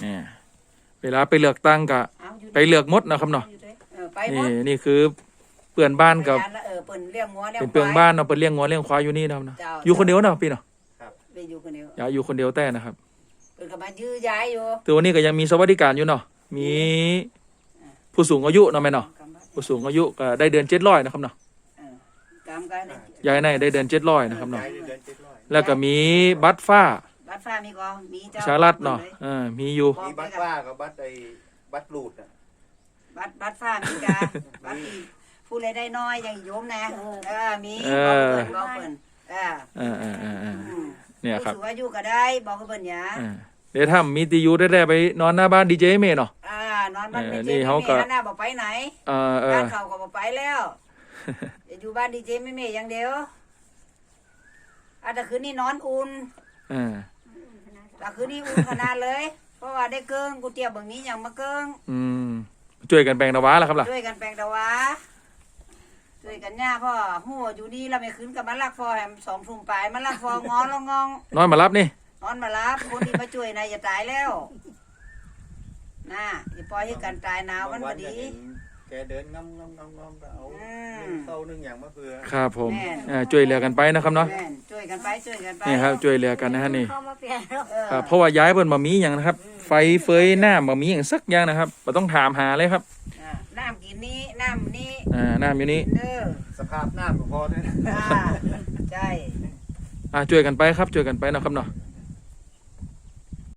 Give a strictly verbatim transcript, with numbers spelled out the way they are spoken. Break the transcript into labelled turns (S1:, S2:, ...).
S1: เนี่ยเวลาไปเลือกตั้งกะไปเลือกมดนะครับเนาะนี่นี่คือเปื่อนบ้านกับเป็นเปื่อนบ้านเนาะเป็นเลี้ยงงัวเลี้ยงควายอยู่นี่นะครับเนาะอยู่คนเดียวเนาะพี่เนาะ
S2: อยู่คนเดียว
S1: อย่าอยู่คนเดียวแต่นะครับ
S2: เป็นกำลังยื้อย้ายอยู่
S1: ตัวนี้ก็ยังมีสวัสดิการอยู่เนาะมีผู้สูงอายุเนาะแม่เนาะผู้สูงอายุก็ได้เดือนเจ็ดร้อยนะครับเนาะยายในได้เดือนเจ็ดร้อยนะครับเนาะแล้วก็มีบัตรฟ้า
S2: บัตรฟ้ามีก็มีเจ้า
S1: ชาลัดเนาะอ่ามีอยู่
S3: มีบัตรฟ้ากับบัตรไอ้บัตรลูดอ่ะ
S2: บัตรบัตรฟ้ามีกาบัตรผู้ใดได้น้อยอย่างโยมนะเออมีบอกเพิ่นบอกเพิ่นเออ
S1: เออเออเออเออเนี่ยครับ
S2: ผู้สูงอายุก็ได้บอกเพิ่นหยา
S1: เดี๋ยวถ้ามีตียูได้ได้ไปนอนหน้าบ้านดีเจเมย์เนาะ
S2: อ่านอนบ้านดีเจเมย์หน้าบอกไปไหน
S1: อ่าเออ
S2: บ้านเขาก็บอกไปแล้วอยู่บ้านดีเจเมย์อย่างเดียวอาจจะคืนนี้นอนอุ่น
S1: อ่า
S2: แต่คืนนี้อุ่นขนาดเลยเพราะว่าได้เกิ้งกูเตี้ยบางนี้อย่างมาเกิ้ง
S1: อืมช่วยกันแปลงตะวาแล้วครับล่ะ
S2: ช่วยกันแปลงตะวาช่วยกันย่าพ่อหัวอยู่นี่เราไม่คืนกับมันลักฟอแหมสองทุ่มไปมันลักฟองอนแล้วงอง
S1: นอนมารับนี่
S2: นอนมารับคนที่มาช่วยนายจะตายแล้วน่ะอย่าปล่อยให้กันตายหนาวมันพอดี
S3: แกเดินงำงำงำงำเอาเข้านึ่งอย่างมะเฟือ
S1: ครับผมช่วยเหลือกันไปนะครับเนาะ
S2: ช่วยกันไปช่วยกันไป
S1: นี่ครับช่วยเหลือกันนะฮะนี่ครับเพราะว่าย้ายเพิ่นมามีอย่างนะครับไฟเฟยหน้ามามีอย่างสักอย่างนะครับเราต้องถามหาเลยครับ
S2: น้ำกินนี้น้ำนี้
S1: อ่าน้ำอยู่นี้
S3: สภาพน้ำก็พอด้วย
S2: ใช่
S1: อ่าช่วยกันไปครับช่วยกันไปนะครับเนาะ